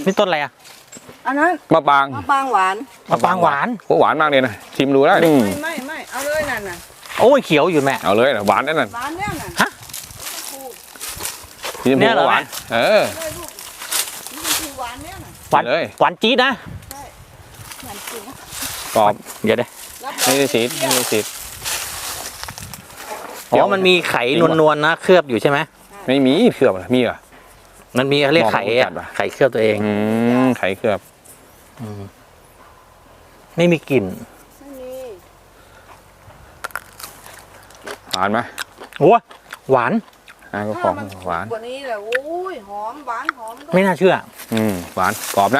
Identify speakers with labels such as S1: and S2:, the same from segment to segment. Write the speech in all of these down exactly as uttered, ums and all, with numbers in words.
S1: นี่ต้นอะไรอ่ะ
S2: อันนั้น
S3: มะปาง
S2: มะปางหวาน
S1: มะปางหวาน
S3: โอ้หวานมากเลยนะชิมดูได้
S2: ไม่ไม่ไม่เอาเลยนั่นน่ะ
S1: โอ้ยเขียวอยู่แม่
S3: เอาเลยหวานนั่นน่ะ
S2: หวานเนี่ยน่ะ
S1: ฮะ
S3: เนี่ยเหรอหวานเออ
S2: หวานเนี่ยน่ะ
S1: หวานเลยหวานจี๊ดนะ
S2: ใช่หวานจริง
S3: กรอบ
S1: เดี๋ยวเดี๋ยว
S3: ไม่ได้สีไม่ได้สี
S1: อ๋อมันมีไข่นวลๆนะเคลือบอยู่ใช่ไหม
S3: ไม่มีเคลือบมีเหรอ
S1: มันมีเขาเรียกไข่ไข่เคลือบตัวเอง
S3: อืมไข่เคลือบ
S1: ไม่มีกลิ่น
S3: หวานไหม
S1: โอ้หวาน
S3: อ่าก็ของหวาน
S2: กว่านี้แหละโอ้ยหอมหวานหอม
S1: ไม่น่าเชื่อ
S3: อืมหวานกรอบนะ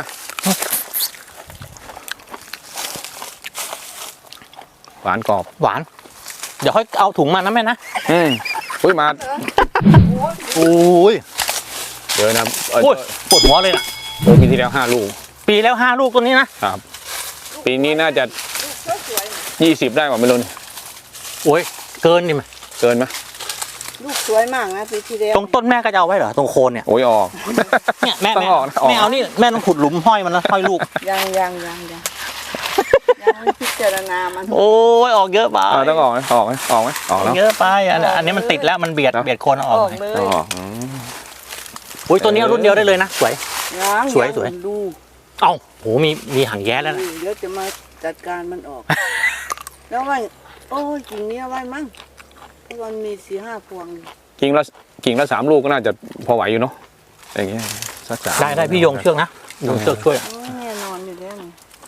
S3: หวานกรอบ
S1: หวานเดี๋ยวค่อยเอาถุงมานะแม่นะ
S3: อืมอุ้ยมา
S1: โอ้ย
S3: เดี๋ยวนะ
S1: โอ้ยปวดหัวเลยนะ
S3: โอ้ปีที่แล้วห้าลูก
S1: ปีแล้วห้าลูกตัวนี้นะครับ
S3: ปีนี้น่าจะยี่สิบได้กว่าไม่รู้
S1: โอ้ยเกินดิมั้ย
S3: เกินไหม
S2: ลูกสวยมากนะปีที่แล้ว
S1: ตรงต้นแม่ก็จะเอาไว้เหรอตรงโคนเนี่ย
S3: โอ้ยออก
S1: เนี่ยแม่แม่แม่เอานี่แม่ต้องขุดหลุมห้อยมันแล้วห้อยลูก
S2: ยังยังยังยังยังไม่พิจารณามัน
S1: โอ้ยออกเยอะไป
S3: ต้องออกไหมออกไหมออกไหมออกแล้ว
S1: เยอะไปอันนี้มันติดแล้วมันเบียดเบียดโคนออก
S2: เลย
S1: โอ้ยตัวนี้รุ่นเดียวได้เลยนะสวยสวยสวย
S2: ดู
S1: เอ้าโหมีมีหางแย้แล้วนะ
S2: เดี๋ยวจะมาจัดการมันออกแล้วว่าโอ้ยกิ่งนี้ไว้มั้งเพราะมันมีสี่ห้าพวง
S3: กิ่งละกิ่งละสามลูกก็น่าจะพอไหวอยู่เนาะอย่างเงี้ยสักสาม
S1: ได้ได้พี่ยงเชือกนะยงเชือกช่วย
S2: แน่นอนอยู่แล้ว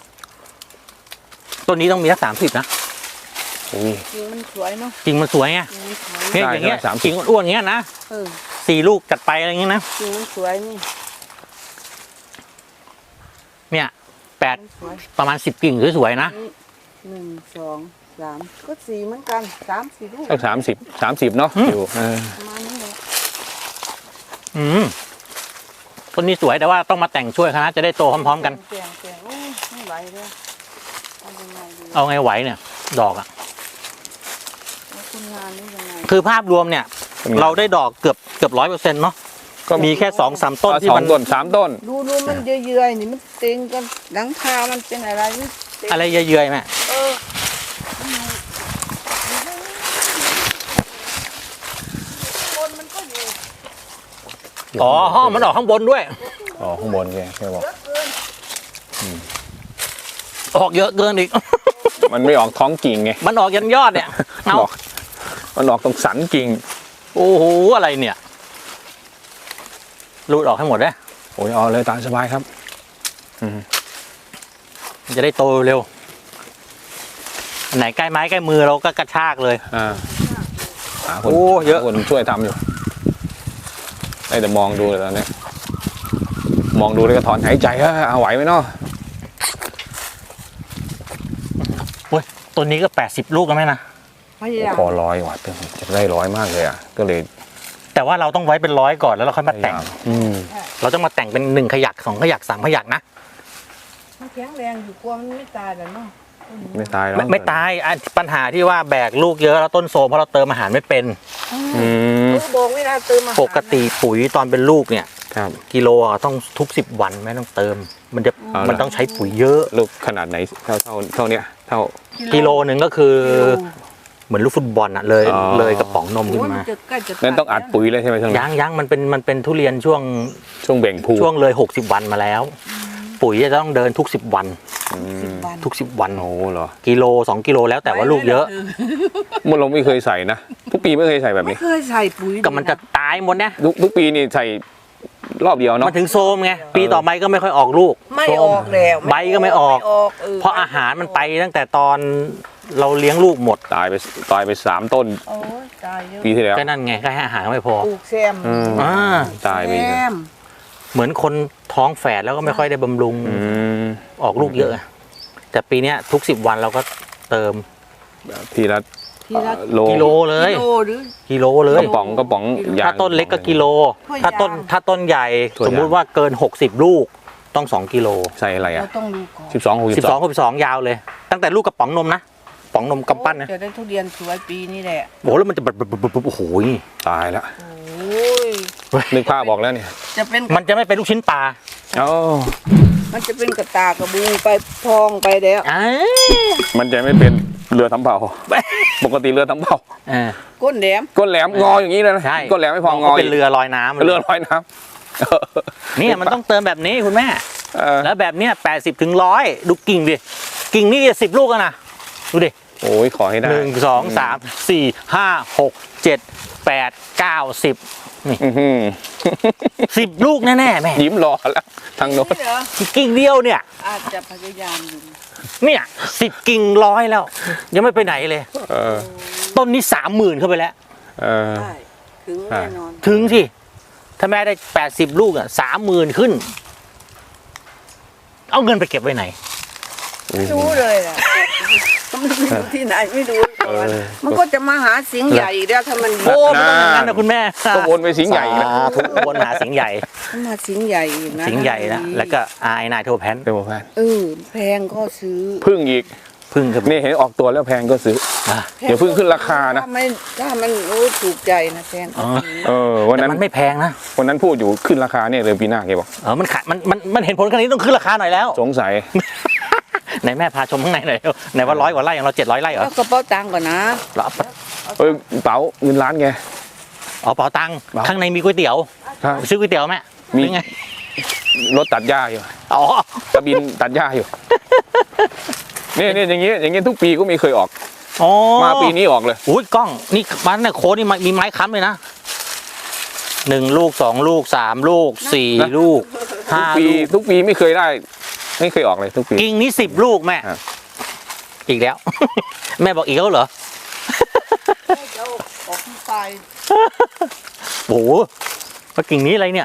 S1: ต้นนี้ต้องมีสักสามสิบนะ
S2: กิ่งมันสวยเนาะ
S1: กิ่งมันสวยไงเนี่ยอย่างเงี้ยกิ่งอ้วนๆอย่างเงี้ยนะสี่ลูกจัดไปอะไรเงี้ยนะ
S2: กิ่งมันสวยนี่
S1: เนี่ยแปดประมาณสิบกิ่งสวยๆนะ
S2: หนึ่งสองสามก็สี่เหมือนกันสามสี่ลูก
S3: สักสามสิบสามสิบเนาะอยู่
S2: ประมาณนี้เลย
S1: อืมต้นนี้สวยแต่ว่าต้องมาแต่งช่วยคณะจะได้โตพร้อมๆกัน
S2: แต่งแต่งโอ้ไม่ไหวเลย
S1: เอาไงไหวเนี่ยดอกอ่ะคือภาพรวมเนี่ยเราได้ดอกเกือบเกือบร้อยเปอร์เซ็นต์เนาะก็มีแค่สองสามต้นที่มัน
S3: ต้นสามต้น
S2: ดูดูมันเยื่อยๆนี่มันเต็งกันหลังคามันเป็นอะไรนี่
S1: อะไรเยื่อยๆแม่
S2: เออคนมันก็อยู่
S1: อ๋อห้องมันออกข้างบนด้วย
S3: อ๋อข้างบนแกแกบอก
S1: ออกเยอะเกินอีก
S3: มันไม่ออกท้องกิ่งไง
S1: มันออกยันยอดเนี่ยเอา
S3: มันออกตรงสันกิ่ง
S1: โอ้โหอะไรเนี่ยรูดออกให้หมดเลย
S3: โอ้ยออกเลยตามสบายครับ
S1: จะได้โตเร็วไหนใกล้ไม้ใกล้มือเราก็กระชากเลย
S3: อ่าโอ้เยอะคนช่วยทำอยู่ได้แต่มองดูเลยตอนนี้มองดูแล้วก็ถอนหายใจฮะเอาไหวไหมเนาะ
S1: โอ้ยตัวนี้ก็แปดสิบลูกแล้วไหมนะ
S3: พอร้อยว่ะจะได้ร้อยมากเลยอ่ะก็เลย
S1: แต่ว่าเราต้องไว้เป็นร้อยก่อนแล้วเราค่อยมาแต่งเราต้องมาแต่งเป็นหนึ่งขยักสองขยักสามขยักนะ
S2: มันแข็งแรงอยู่กลัวมันไม่ตายแล้วเนาะ
S3: ไม่ตายแล้ว
S1: ไม่ตายปัญหาที่ว่าแบกลูกเยอะแล้วต้นโซมเพราะเราเติมอาหารไม่เป็น
S2: บอกไม่ได้เติมอาหาร
S1: ปกติปุ๋ยตอนเป็นลูกเนี่ยกิโลต้องทุกสิบวันไม่ต้องเติมมันจะมันต้องใช้ปุ๋ยเยอะ
S3: ลูกขนาดไหนเท่าเท่าเท่าเนี้ยเท่า
S1: กิโลหนึ่งก็คือเหมือนลูกฟุตบอลอะเลยเลยกระป๋องนมขึ้นมา
S3: นั่นต้องอัดปุ๋ยเลยใช่ไหมช่วง
S1: ยังยังมันเป็นมันเป็นทุเรียนช่วง
S3: ช่วงเบ่งพู
S1: ช่วงเลยหกสิบวันมาแล้วปุ๋ยจะต้องเดินทุกสิบวันทุกสิบวัน
S3: โอ้เหรอ
S1: กิโลสองกิโลแล้วแต่ว่าลูกเยอะ
S3: มันเราไม่เคยใส่นะทุกปีไม่เคยใส่แบบนี้
S2: ไม่เคยใส่ปุ๋ย
S1: ก็มันจะตายหมดนะ
S3: ทุกทุกปีนี่ใส่รอบเดียวเนาะ
S1: มันถึงโซมไงปีต่อไปก็ไม่ค่อยออกลูก
S2: ไม่ออกแล้ว
S1: ใบก็ไม่ออกเพราะอาหารมันไปตั้งแต่ตอนเราเลี้ยงลูกหมด
S3: ตายไปตายไปสามต้นปีที่แล้ว
S1: ก็นั่นไงก็ให้อาหารไม่พอ
S2: ปลูกแซม
S1: อ่า
S3: ตายไป
S1: เหมือนคนท้องแฝดแล้วก็ไม่ค่อยได้บำรุงออกลูกเยอะแต่ปีนี้ทุกสิบวันเราก็เติม
S3: ทีละ
S1: กิโลเลยกิโลเลย
S3: กระป๋องกระป๋อง
S1: ถ้าต้นเล็กก็กิโลถ้าต้นถ้าต้นใหญ่สมมุติว่าเกินหกสิบลูกต้องสองกิโล
S3: ใส่อะไรอ่ะ
S1: สิบสองหกสิบสองหกสิบสองยาวเลยตั้งแต่ลูกกระป๋องนมนะป๋องนมกำปั้นนะ
S2: จะได้ทุเรียนสวยปีนี้แหละ
S1: โอ้แล้วมันจะแบบโอ้โห
S3: ตายแล้วนึกภาพบอกแล้วเนี่ย
S2: จะเป็น
S1: มันจะไม่เป็นลูกชิ้นปลา
S3: อ๋อ
S2: มันจะเป็นกระตากระบุงไปพองไปแล้ว
S1: อ่า
S3: มันจะไม่เป็นเรือทำเผาปกติเรือทำเผา
S1: เออ
S2: ก้นแหลม
S3: ก้นแหลมงออย่างนี้เลยนะ
S1: ใช่
S3: ก้นแหลมไม่พองอ
S1: เป็นเรือลอยน้ำ
S3: เรือลอยน้ำ
S1: เนี่ยมันต้องเติมแบบนี้คุณแม่
S3: เออ
S1: แล้วแบบเนี้ยแปดสิบถึงร้อยดูกิ่งดิกิ่งนี่สิบลูกอะนะดูดิ
S3: โอ้ยขอให้ได้
S1: หนึ่งสองสามสี่ห้าหกเจ็ดแปดเก้าสิบ
S3: อื้อหือ
S1: สิบลูกแน่ๆแม่
S3: ยิ้มรอแล้วทางโน้น
S2: นี่เหรอ
S1: กิ่งเดียวเนี่ย
S2: อาจจะพยายามอยู่
S1: เนี่ยสิบกิ่งร้อยแล้ว ยังไม่ไปไหนเลย
S3: เออ
S1: ต้นนี้สามหมื่นเข้าไปแล้ว
S3: เออ
S2: ใช่ถึงแน่นอน
S1: ถึงสิถ้าแม่ได้แปดสิบลูกอ่ะสามหมื่นขึ้น เอาเงินไปเก็บไว้ไหน
S2: ไม่รู้เลยอ่ะมันไม่รู้ที่ไหนไม่รู้
S3: เออ
S2: มันก็จะมาหาเสียงใหญ่อีกแล้วถ้ามัน
S1: โอ้ไม่ต้องอย่างนั้นนะคุณแม่
S3: ก็วนไปสิงห์ใหญ่อีกแล้ว
S1: สาธุวนหาสิงห์ใหญ่
S2: มันมาเสียงใหญ่อีกนะ
S1: สิงห์ใหญ่นะแล้วก็อายนายโทแพน
S3: เป็นหมอแพน
S2: เออแพงก็ซื้อ
S3: พึ่งอีก
S1: พึ่งกับ
S3: นี่เห็นออกตัวแล้วแพงก็ซื้อ
S1: อ่ะ
S3: เดี๋ยวเพิ่งขึ้นราคานะ
S2: ถ้าไม่ถ้ามันโอ้ถูกใจนะแพงก็ซื้อ
S3: เออวัน
S1: แต่
S3: นั้น
S1: มันไม่แพงนะ
S3: วันนั้นพูดอยู่ขึ้นราคาเนี่ยเลยปีหน้าแกบอก
S1: เออมันขายมันมันมันเห็นผลขนาดนี้ต้องขึ้นราคาหน่อยแล้ว
S3: สงสัย
S1: ไหนแม่พาชมข้างในหน่อยไหนว่าร้อยกว่าไร่อย่างเราเจ็ดร้อยไร่เหรอ
S2: แล้วกระเป๋าตังค์ก่อนนะ
S1: เราเอา
S3: เออเป๋าเงินล้านไง
S1: เอาเป๋าตังค์
S3: เป๋า
S1: ข้างในมีก๋วยเตี๋ยว
S3: ครับ
S1: ซื้อก๋วยเตี๋ยวแม่
S3: มี
S1: เป็นไง
S3: รถตัดหญ้าอยู่
S1: อ๋อก
S3: ระบินตัดหญ้าอยู่เนี่ยเนี่ยอย่างเงี้ยอย่างเงี้ยทุกปีก็ไม่เคยออก
S1: อ๋อ
S3: มาปีนี้ออกเลย
S1: อุ้ยกล้องนี่มันเนี่ยโค้ดนี่มีไม้ค้ำเลยนะหนึ่งลูกสองลูกสามลูกสี่
S3: นะ
S1: ลูก
S3: ทุ
S1: ห้าก
S3: ปี
S1: ลูก
S3: ทุกปีไม่เคยได้ ไม่เคยออกเลยทุกปี
S1: กิ่งนี้สิบลูกแม่
S3: ครับ
S1: อีกแล้ว แม่บอกอีกแล้วเหรอ
S2: จะออกที่ตาย
S1: โอ้โหว่ากิ่งนี้อะไรเนี่ย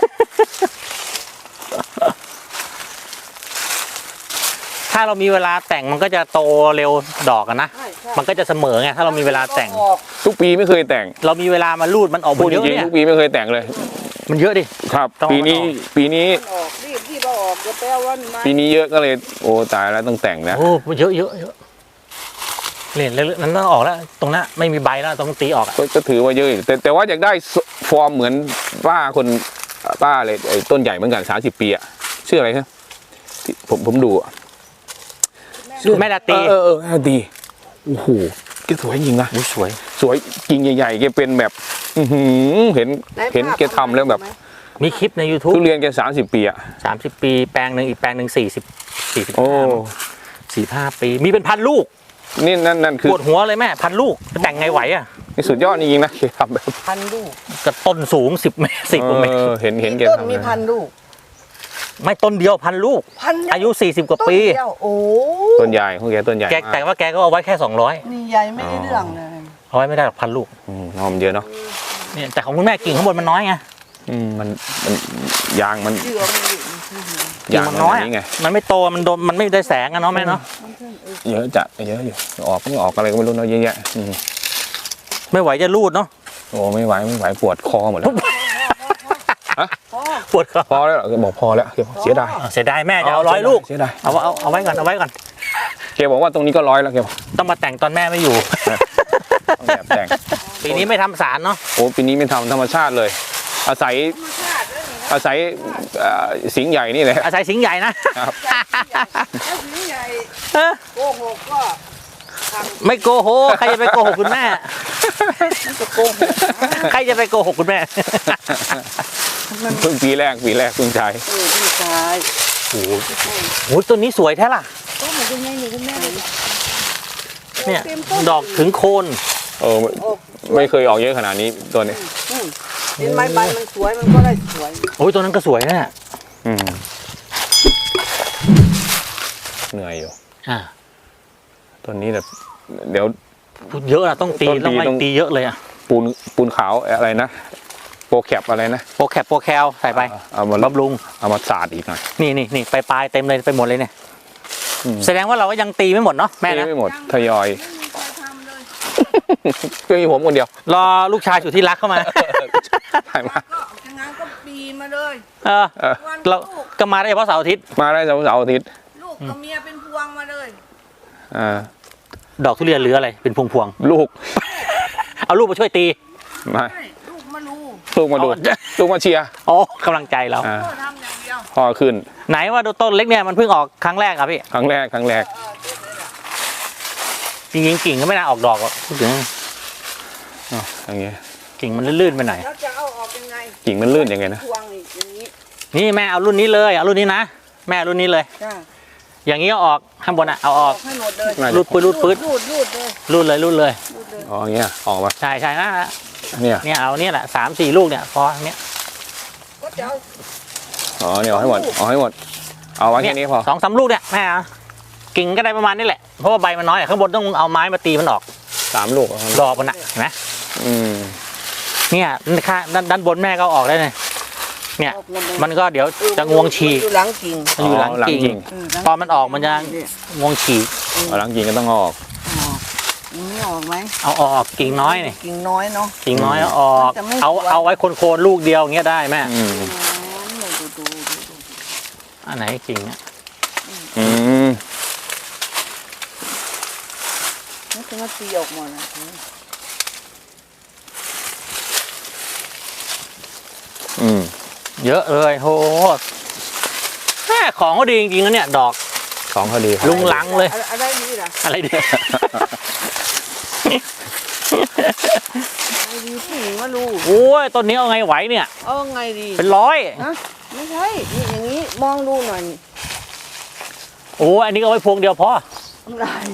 S1: ถ้าเรามีเวลาแต่งมันก็จะโตเร็วดอกอะนะ
S2: ใช่ใช่
S1: มันก็จะเสมอไงถ้าเรามีเวลาแต่ง
S2: ออก
S3: ทุกปีไม่เคยแต่ง
S1: เรามีเวลามารูดมันออก
S3: พู
S1: มา
S3: ด
S1: เย
S3: จ
S1: อะ
S3: ริง
S1: เนี่ย
S3: ๆทุกปีไม่เคยแต่งเลย
S1: มันเยอะดิ
S3: ครับ
S1: ต้อง
S3: ปีนี้
S1: เอาออก
S3: ปีนี้
S2: มันออกรีบรีบเอาออกเดี๋ยวไปเอาวันไม้
S3: ปีนี้เยอะก็เลย โอ้ตายแล้วต้องแต่งนะ
S1: โอ้เยอะเยอะเยอะเล่นเลยนั้นต้องออกแล้ว ตรงนั้นไม่มีใบแล้วต้องตีออกอะ
S3: ก็ก็ถือว่าเยอะอยู่แต่แต่ว่าอยากได้ฟอร์มเหมือนป้าคนป้าเลยไอ้ต้นใหญ่เหมือนกันสามสิบปีอะชื่ออะไรครับที่ผมผมดูอะ
S1: แม่ดาตี
S3: เออเออเออดีโอ้โหแกสวยจริงนะ
S1: อุ๊ยสวย
S3: สวยกิ่งใหญ่ๆแกเป็นแบบ อื้อหือเห็น
S2: ไห
S3: เห็น
S2: ภาพ
S3: แกทำแล้วแบบ
S1: มีคลิปใน YouTube
S3: ทุเรียนแกสามสิบปีอะ
S1: สามสิบปีแปลงหนึ่งอีกแปลงหนึ่งสี่สิบสี่สิบ
S3: โอ้
S1: สี่ห้าปี มีเป็นพันลูก
S3: นี่นั่นนั่นคือ
S1: ปวดหัวเลยแม่พันลูกจะแต่งไงไหวอ่ะ
S3: นี่สุดยอดจริงๆนะแกทำแบบ
S2: พันลูก
S1: กระต้นสูงสิบเมตรสิบกว่าเมตร
S3: เออเห็นเห็นแก
S2: ต้น
S3: ทำ
S2: มี
S3: นะ
S2: พันลูก
S1: ไม่ต้นเดียวพันลูก
S2: พัน
S1: อายุสี่สิบกว่า
S2: ต้น
S1: ปี
S2: เดียวโอ้
S3: ต้นใหญ่ของแกต้นใหญ่
S1: แก
S3: มาก
S1: แต่ว่าแกก็เอาไว้แค่สองร้อย
S2: นี่ใหญ่ไม่ได้เรื่องเลย
S1: เอาไว้ไม่ได้หรอกพันลูก
S3: อืมหอมเยอะเนาะ
S1: เนี่ยแต่ของคุณแม่กิ่งข้างบนมันน้อยไง
S3: อืมมันมันยางมัน
S2: เยื่อมันอยู่
S1: กิ่
S3: ยาง ง
S1: มัน
S3: มัน
S1: น้อย
S3: อย่างนี้ไง
S1: มันไม่โตมันโดนมันไม่ได้แสงอะเนาะแม่เนาะ
S3: เยอะจัดเยอะอยู่ออกไม่ออกอะไรก็ไม่รู้เนาะเยอะแยะอืม
S1: ไม่ไหวจะรูดเนาะ
S3: โอ้ไม่ไหวไม่ไหวปวดคอหมดแล้ว
S2: พ่อ
S1: ปวดคอ
S3: พอแล้วเหรอแกบอกพอแล้วแกบอกเสียดาย
S1: เสียดายแม่จะเอาร้อยลูก
S3: เสียดาย
S1: เอาเอาเอาไว้ก่อนเอาไว้ก่อน
S3: แกบอกว่าตรงนี้ก็ร้อยแล้วแกบอก
S1: ต้องมาแต่งตอนแม่ไม่อยู่
S3: ต้องแบบแต่ง
S1: ปีนี้ไม่ทำสารเนาะ
S3: โอ้ปีนี้ไม่ทำธรรมชาติเลย อาศัยอาศัยเอ่อสิงห์ใหญ่นี่แหละ
S1: อาศัยสิงห์ใหญ่นะ
S3: ครับ
S2: ถ้าสีใหญ่
S1: เออ
S2: โกหกก็ท
S1: ไม่โกหกใครจะไปโกหกคุณแม่
S2: ำมันจะโกหก
S1: ใครจะไปโกหกคุณแม่
S3: เพิ่งปีแรกปีแรกเพิ่งใช้
S2: เออพี่ชาย
S1: โอ้โหโอ้โหต้นนี้สวยแท้ล่ะ
S2: ก็เหมือนคุณแม่อยู่คุณแม่เลย
S1: เนี่ย
S2: ต็มต้น
S1: ดอกถึงโคน
S3: เออไม่
S2: ออก
S3: ไม่เคยออกเยอะขนาดนี้ตัวนี้
S2: อืมเห็นไหมใบมันสวยมันก็ได้สวย
S1: โอ้ยตัวนั้นก็สวยนะ
S3: อืมเหนื่อยอยู่
S1: อ่า
S3: ตัวนี้แบบเดี๋ยว
S1: พูดเยอะนะต้องตี
S3: ต้องตี
S1: ต้องไม่
S3: ต้อง
S1: ตีเยอะเลยอะ
S3: ปูนปูนขาวอะไรนะโปรแคปอะไรนะ
S1: โปรแคปโปรแคลใส่ไป
S3: เอามา
S1: บำรุง
S3: เอามาสาดอีกหน่อย
S1: นี่นี่นี่ไปปลายเต็มเลยไปหมดเลยเนี่ย
S3: อืม
S1: แสดงว่าเราก็ยังตีไม่หมดเนาะแม่นะ
S3: ไม่หมดทยอย
S2: ไม่มีใครทำเลย
S3: ก็มีผมคนเดียว
S1: รอลูกชายสุดที่รักเข้ามา
S3: ถ่ายมา
S2: ก็อย่างนั้นก็ปีมาเลย
S1: เออ
S3: เออ
S2: วัน
S1: เรา
S2: ลูก
S1: ก็มาได้เฉพาะเสาร์อาทิตย์
S3: มาได้เสาร์เสาร์อาทิตย์
S2: ลูกกับเมียเป็นพวงมาเลย
S3: อ่า
S1: ดอกทุเรียนหรืออะไรเป็นพวงพวง
S3: ลูก
S1: ๆเอาลูกมาช่วยตี
S3: ไม่
S2: ใช่ลูกมาลู
S3: ลูกมาดู
S1: อ๋อ
S3: ลูกมาเชียร์
S1: อ๋อกำลังใจเรา
S3: อ่า
S2: ก็ทำอย่างเดียวยว
S3: พ่อขึ้น
S1: ไหนว่าต้นเล็กเนี่ยมันเพิ่งออกครั้งแรกครับพี่
S3: ครั้งแรกครั้งแรก
S2: เออเด็ดเลยล่ะ
S1: จริงๆกิ่งก็ไม่น่าออกดอกหรอกพูดถึง
S3: อ๋ออย่างเงี้ย
S1: กิ่งมันลื่นๆไปหน่อย
S2: แล้วจะเอาออกยังไง
S3: กิ่งมันลื่นยังไงนะ
S2: พวงอีกอย่างนี้
S1: นี่แม่เอารุ่นนี้เลยเอารุ่นนี้นะแม่เอารุ่นนี้เลย
S2: จ้า
S1: อย่างนี้เอาออกข้างบนอ่ะเอาออก
S2: ให้หมดเลย
S3: น่าจะ
S1: รูดปืดรูดปืด
S2: รูดรูดเลย
S1: รุ่นเลยรุ่นเลย
S2: รูดเลย
S3: อ๋ออย่างเงี้ยออกมา
S1: ใช่ใช่นะ
S3: เนี่ย
S1: เนี่ยเอาเนี่ยแหละสามสี่ลูกเนี่ยพอเนี้ย
S2: ก็จะเอา
S3: อ๋อเนี่ยเอาให้หมดเอาให้หมดเอาไว้แค่นี้พอ
S1: สองสามลูกเนี่ยแม่เอากิ่งก็ได้ประมาณนี้แหละเพราะว่าใบมันน้อยอะข้างบนต้องเอาไม้มาตีมันออก
S3: สามลูกเอาให้หมด
S1: ดอกมันอ่ะเห็นไหม
S3: อืม
S1: เนี่ยข้างด้านด้านบนแม่ก็เอาออกได้เลยเนี่ย
S2: ออกหดเลย
S1: มันก็เดี๋ยวจะงวงฉีก
S2: มันอยู่หลังกิ่ง
S1: มันอยู่หลังกิ่ง
S2: เออหลัง
S1: ตอนมันออกมันจะงวงฉีก
S3: เอาหลังกิ่งก็ต้องเอาออก
S2: ออกอย่างนี้ออกไหม
S1: เอาออกกิ่งน้อยนี่
S2: กิ่งน้อยเนาะ
S1: กิ่งน้อยเอาออก
S2: มันจะไม่
S1: เอา
S2: สวย
S1: เอาไว้โคนๆลูกเดียวอย่างเงี้ยได้แม่
S3: อืม
S2: ดูดูดูดูดู
S1: อันไหนกิ่งเนี่ย
S3: อืม
S2: นี่จะมาตีออกหมดนะ
S3: อืม
S1: เยอะเลยโหแม่ของก็ดีจริงๆนะเนี่ยดอก
S3: ของเขาดี
S1: ลุงลังเลย
S2: อะอะไรดีล่ะ
S1: อะไรดี
S2: อะไรดีผู้หญิงว่ารู้
S1: โอ้ยต้นนี้เอาไงไหวเนี่ย
S2: เอาไงดี
S1: เป็นร้อย
S2: ฮะไม่ใช่นี่อย่างนี้มองดูหน่อยนี่
S1: โอ้ยอันนี้ก็เอาไว้พวงเดียวพอ
S2: ทำลาย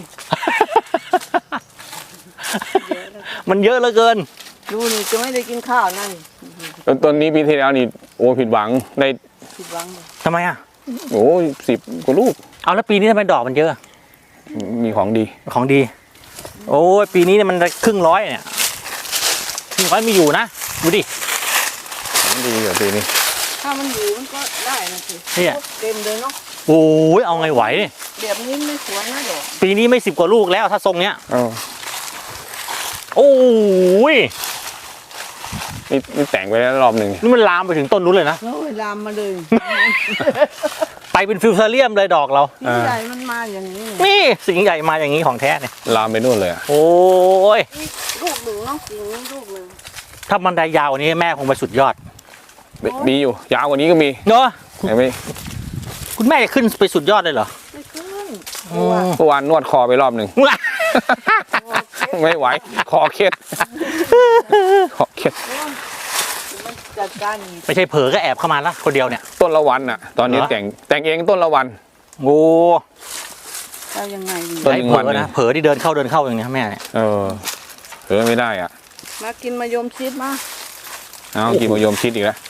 S1: มันเยอะเหลือเกิน
S2: ดูนี่จะไม่ได้กินข้าวนั่น
S3: ต้นต้นนี้ปีที่แล้วนี่โอ้ผิดหวังได้
S2: ผิดหวังเลย
S1: ทำไมอ่ะ
S3: โอ้สิบกว่าลูก
S1: เอาแล้วปีนี้ทำไมดอกมันเยอะ
S3: มีของดี
S1: ของดี โอ้ยปีนี้เนี่ยมันครึ่งร้อยเนี่ยครึ่งร้อยมีอยู่นะดูดิ
S3: ของดีกว่าปีนี้
S2: ถ้ามันอยู่มันก็ได้นะสิ
S1: เนี่ย
S2: เต็มเลยเนาะ
S1: โอ้ยเอาไงไหวเนี่ย
S2: แบบนี้ไม่สวยนะดอก
S1: ปีนี้ไม่สิบกว่าลูกแล้วถ้าทรงเนี้ย
S3: เอ้า
S1: โอ้ย
S3: นี่นี่แต่งไปแล้วรอบหนึ่ง
S1: นี่มันลามไปถึงต้นนู้นเลยนะ
S2: แล้วเวลามมาเลย
S1: ไปเป็นฟิวเทอเรียมเลยดอกเรา
S2: นี่ใหญ่มันมาอย่างนี้เลย
S1: นี่สิ่งใหญ่มาอย่างนี้ของแท้เนี่ย
S3: ลามไปนู่นเลยอะ
S1: โอ้ย
S2: นี่ลูกหนึ่งเนาะกิ่งนี้ลูกหนึ่ง
S1: ถ้ามันได้ยาวกว่านี้แม่คงไปสุดยอด
S3: มีอยู่ยาวกว่านี้ก็มี
S1: เนาะ
S3: เห็นไหม
S1: คุณแม่จะขึ้นไปสุดยอดเลยเหรอ
S2: ไม่ขึ้น
S1: อืม
S3: เมื่อวานนวดคอไปรอบหนึ่ง ไม่ไหวคอเคล็ดคอเคล็ด
S2: มันจัดการอีก
S1: ไม่ใช่เผลอก็แอบเข้ามาละคนเดียวเนี่ย
S3: ต้นละวันอ่ะ ตอนนี้
S1: เหรอ
S3: แต่งแต่งเองต้นละวัน
S1: โอ้
S2: เอายังไงดี
S3: ต้น
S1: ไอ้
S3: หนึ่ง
S1: เผล
S3: วัน
S1: อ
S3: หนึ่
S1: นะ
S3: ง
S1: เผลอที่เดินเข้าเดินเข้าอย่างเนี้ยแม่เนี่ย
S3: เออเออไม่ได้อ่ะ
S2: มากินมายมชิดมา
S3: เอากินมะยมชิดอีกแล้ว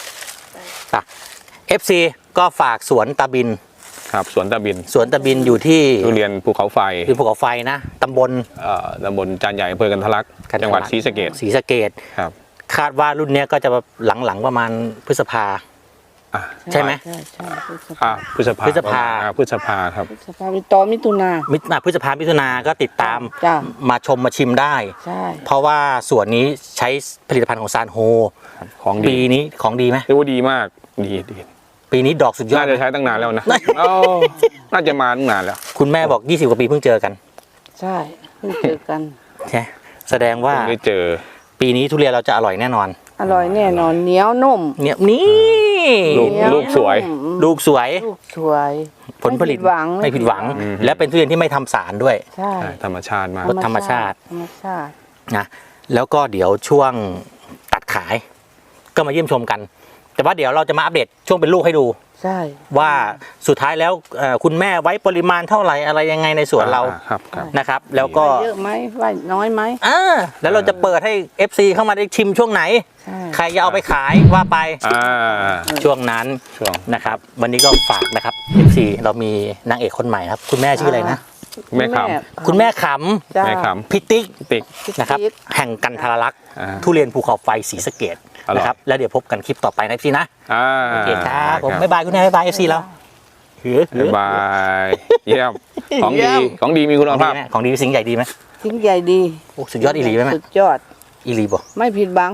S1: เอฟซีก็ฝากสวนตาบิน
S3: ครับสวนตะบิน
S1: สวนตาบินอยู่ที่
S3: ทุเรียนภูเขาไฟ
S1: ที่ภูเขาไฟนะตำบล
S3: เอ่อตำบลจานใหญ่อำเภอกันทะลักจังหวัดศรีสะเกษ
S1: ศรีสะเกษ
S3: ครับ
S1: คาดว่ารุ่นเนี้ยก็จะหลังๆประมาณพฤษภา
S3: อ่ะ
S1: ใช่ไหม
S2: ใช่ใช่พฤษ
S3: อ่ะ
S2: ภา
S3: พฤษภา
S1: พฤษภา
S3: อ่ะพฤษภาครับ
S2: พฤษภาไปต่อมิถุนา
S1: มิถุนาพฤษภามิถุนาก็ติดตาม
S2: จ้า
S1: มาชมมาชิมได้
S2: ใช่
S1: เพราะว่าสวนนี้ใช้ผลิตภัณฑ์ของซานโฮ
S3: ของ
S1: ปี
S3: ดี
S1: นี้ของดีไหม
S3: เรียกว่าดีมากดีดี
S1: ปีนี้ดอกสุดยอ
S3: น่า
S1: ด
S3: จะใช้ตั้งนานแล้วนะเอ้าน่าจะมาตั้งนานแล้ว
S1: คุณแม่บอกยี่สิบกว่าปีเพิ่งเจอกัน
S2: ใช่เพิ่งเจอกัน
S1: ใช่แสดงว่า
S3: เพิ่งได้เจอ
S1: ปีนี้ทุเรียนเราจะอร่อยแน่นอน
S2: อร่อยแน่นอนเหนียวนุ่ม
S1: เนี่ยนี่
S3: ลูก
S2: เหนียว
S3: ลูกสวย
S2: นุ่ม
S1: ลูกสวย
S2: ลูกสวย
S1: ผลผลิต
S2: ไม่ผิดหวัง
S1: ไม่ผิดหวัง
S3: อืม
S1: และเป็นทุเรียนที่ไม่ทำสารด้วย
S2: ใช่
S3: ใช่ธรรมชาติมาก
S1: ธรรมชาติ
S2: ธรรมชาติ
S1: นะแล้วก็เดี๋ยวช่วงตัดขาย ก็มาเยี่ยมชมกัน แต่ว่าเดี๋ยวเราจะมาอัปเดตช่วงเป็นลูกให้ดู
S2: ใช่
S1: ว่าสุดท้ายแล้วเอ่อคุณแม่ไว้ปริมาณเท่าไหร่อะไรยังไงในสวนเรา
S3: อ่ครับครับ
S1: นะครับ แล้วก็
S2: เยอะไหมว่าน้อยไหม
S1: อ่าแล้วเราจะเปิดให้ เอฟ ซี เข้ามาได้ชิมช่วงไหน
S2: ใช่
S1: ใครจะเอาไปขายว่าไป
S3: อ่า
S1: ช่วงนั้น
S3: ช่วง
S1: นะครับ วันนี้ก็ฝากนะครับ เอฟ ซี เรามีนางเอกคนใหม่ครับ คุณแม่ชื่ออะไรนะ
S3: แม่ข
S1: คุณแม่ข
S2: จ้า
S3: แม่ข
S1: ำพิติก
S3: ำติ๊ก
S1: นะครับ แห่งกันทรลักษณ์
S3: อ่า
S1: ทุเรียนภูเขาไฟศรีสะเกษ
S3: อร่อย
S1: นะครับ แล้วเดี๋ยวพบกันคลิปต่อไปนะ เอฟ ซี นะ
S3: อ่า
S1: โอเคครับผมบ๊ายบายคุณแม่บ๊ายบาย เอฟ ซี เราหือหื
S3: บ๊า
S1: อย
S3: บายเยี่ยมของ
S2: เยี่
S3: ดี
S2: ยม
S3: ของดีมีคุณ
S1: ของดี
S3: ภาพ
S1: ไหมของดีสิ่งใหญ่ดีไหม
S2: ทิ้งใหญ่ดี
S1: โอ้สุดยอดอีหลีไหมแม่
S2: สุดยอด
S1: อีหลีบ่
S2: ไม่ผิดบัง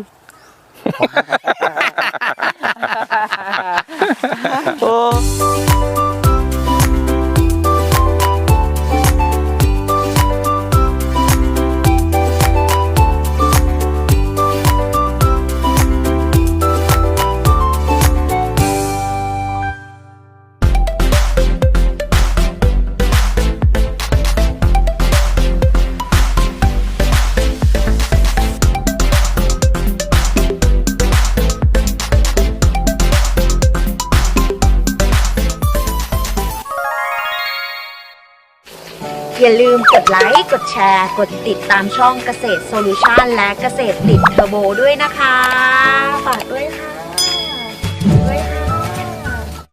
S1: โอ้
S4: อย่าลืมกดไลค์กดแชร์กดติดตามช่องเกษตรโซลูชันและเกษตรติดเทอร์โบด้วยนะคะฝากด้วยค่ะ